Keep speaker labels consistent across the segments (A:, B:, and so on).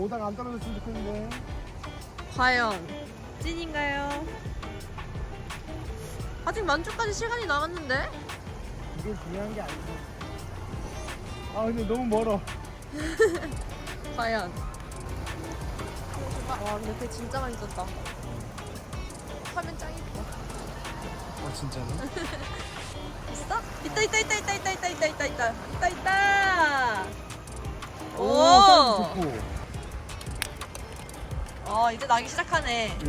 A: 오다가 안 떨어졌으면 좋겠는데.
B: 과연 찐인가요? 아직 만주까지 시간이 남았는데?
A: 이게 중요한 게 아니지. 아 근데 너무 멀어.
B: 과연. 와 근데 배 진짜 많이 떴다. 화면 짱 이뻐.
A: 아 진짜로?
B: 있어? 있다. 오.
A: 좋고.
B: 이제 나기 시작하네.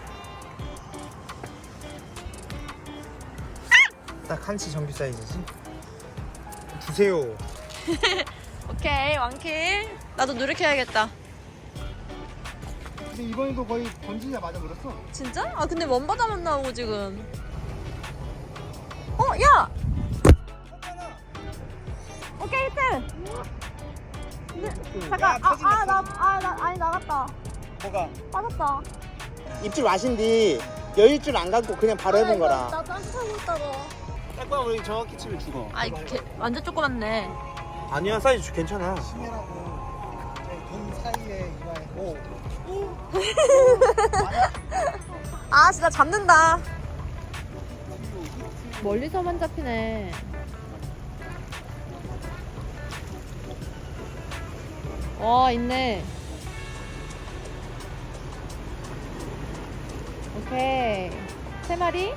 A: 딱 한치 정규 사이즈지. 주세요.
B: 오케이 왕킬. 나도 노력해야겠다.
A: 근데 이번에도 거의 던지자마자 물었어.
B: 진짜? 아 근데 먼바다만 나오고 지금. 야! 오케이 히트! 잠깐 아니 나갔다.
A: 뭐가?
B: 빠졌다.
A: 입질 맛인데 여유줄 안 갖고 그냥 바로 해본 거라.
B: 나 딴짓 하고 있다가.
A: 딱봐 우리 정확히 치면 죽어.
B: 아 이게 완전 조그맣네.
A: 아니야 사이즈 괜찮아. 심해라고. 돈 사이에 이마에. 오.
B: 아 진짜 잡는다. 멀리서만 잡히네. 와 있네. 오케이 3마리.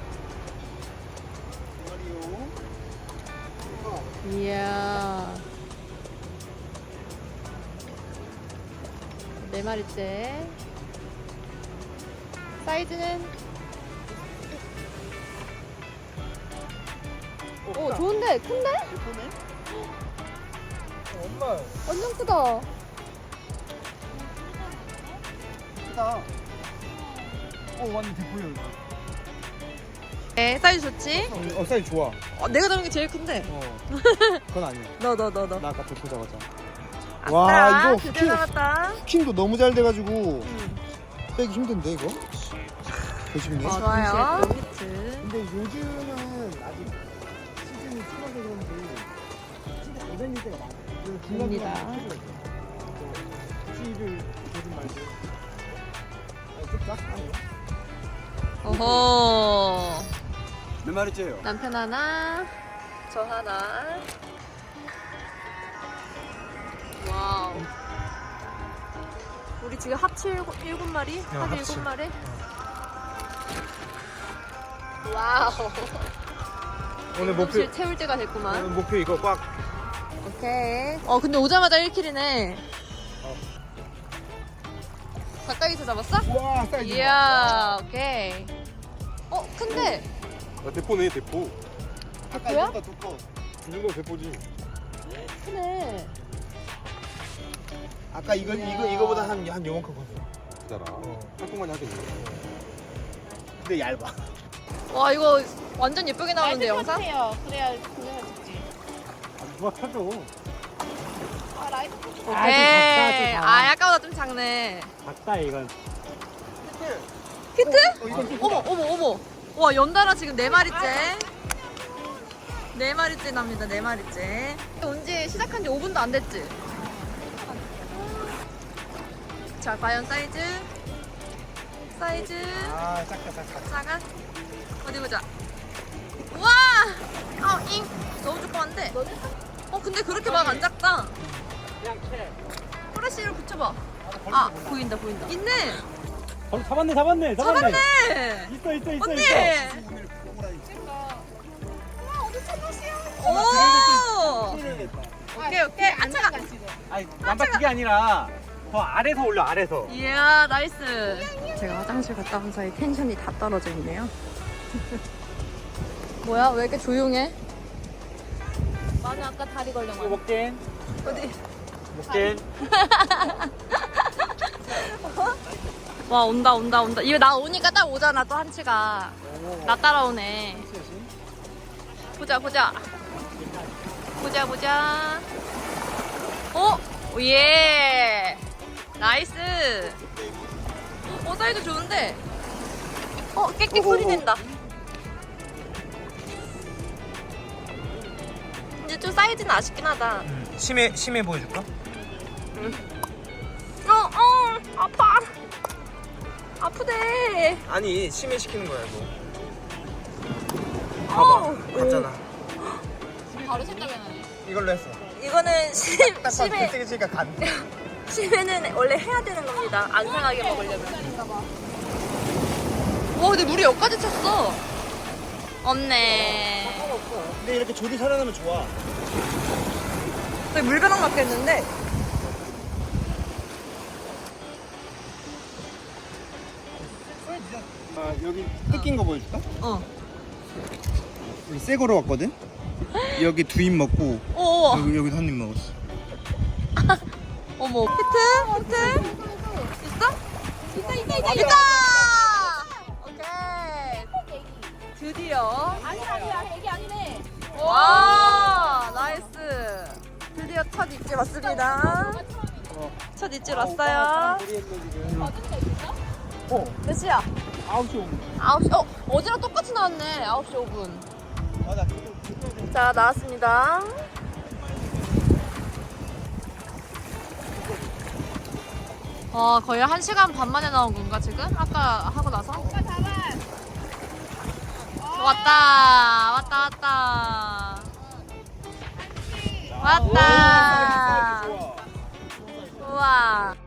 B: 이야 4마리째. 사이즈는 오 좋은데 큰데?
A: 예쁘네. 엄마
B: 완전 크다.
A: 크다. 완전 대포야 이거.
B: 네 사이즈 좋지?
A: 사이즈 좋아.
B: 내가 잡은 게 제일 큰데.
A: 그건 아니야.
B: 너.
A: 나 아까 대포 잡았잖아.
B: 아싸,
A: 와, 이거
B: 드디어
A: 후킹.
B: 잡았다.
A: 후킹도 너무 잘 돼가지고 빼기 힘든데 이거? 조심해.
B: 좋아요.
A: 근데 요즘은 아직 시즌이 줄어서 그런지 진짜 안 다닐 때가 많아.
B: 됩니다.
A: 시를 조금 말고. 좀 작다.
B: 어허.
A: 몇 마리째요?
B: 남편 하나, 저 하나. 와우. 우리 지금 합치 7마리? 합
A: 합치.
B: 7마리? 와우.
A: 오늘 목표
B: 실 채울 때가 됐구만.
A: 오늘 목표 이거 꽉.
B: 오케이. 근데 오자마자 1킬이네. 가까이서 잡았어?
A: 와 사이즈.
B: 이야, 오케이. 큰데?
C: 대포네 대포.
A: 아까
B: 대포야?
A: 이거보다 더 커.
C: 이 정도면 대포지.
B: 크네.
A: 아까 이거보다 한 요만큼 컸어.
C: 기다라. 한통만이 하겠네.
A: 근데 얇아.
B: 와, 이거 완전 예쁘게 나오는데, 영상?
D: 그래야 동영상 찍지.
A: 누가 펴줘.
B: 오케이. 아까보다 좀 작네.
A: 작다 이건.
B: 히트? 어머. 와, 연달아 지금 4마리째. 4마리째 납니다, 4마리째. 온지 시작한 지 5분도 안 됐지? 자, 과연 사이즈?
A: 작다.
B: 작아? 어디 보자. 우와! 잉! 너무 조그만데? 근데 그렇게 막 안 작다. 프레쉬를 붙여봐. 보인다. 있네!
A: 잡았네.
B: 잡았네!
A: 있어.
B: 언니! 오! 오케이. 안 차.
A: 아니 남바 그게 아니라 더 아래서 올려 아래서.
B: 이야, 나이스. 제가 화장실 갔다 온 사이 텐션이 다 떨어져 있네요. 뭐야? 왜 이렇게 조용해?
D: 나는 아까 다리 걸려.
A: 이거 먹겐.
B: 어디?
A: 먹겐.
B: 와, 온다. 이거 나 오니까 딱 오잖아, 또 한치가. 나 따라오네. 보자. 예. 나이스. 사이즈 좋은데. 깨끗 소리 낸다. 이제 좀 사이즈는 아쉽긴 하다.
A: 심해 보여줄까?
B: 아파. 아프대.
A: 아니 심해시키는 거야 이거.
B: 어우.
A: 봤잖아.
D: 바로 생각이 나네.
A: 이걸로 했어.
B: 이거는 심해.
A: 되게 치니까 간.
B: 심해는 원래 해야 되는 겁니다. 안 상하게 먹으려면. 와, 근데 물이 여기까지 찼어. 없네.
A: 근데 이렇게 조리 살아나면 좋아.
B: 저기 물벼락 났겠는데?
A: 아 여기 뜯긴 거 보여줄까?
B: 어.
A: 여기 새 거로 왔거든. 여기 두 입 먹고
B: 오.
A: 여기 한 입 먹었어.
B: 어머. 히트? 있어? 있다! 오케이. 드디어.
D: 아니야, 애기 아니네.
B: 와, 나이스. 드디어 첫 입질 왔습니다. 첫 입질 왔어요. 몇 시야?
A: 9시 5분.
B: 9시. 어제랑 똑같이 나왔네. 9시 5분.
A: 맞아.
B: 자, 나왔습니다. 거의 1시간 반 만에 나온 건가, 지금? 아까 하고 나서? 왔다. 왔다. 우와.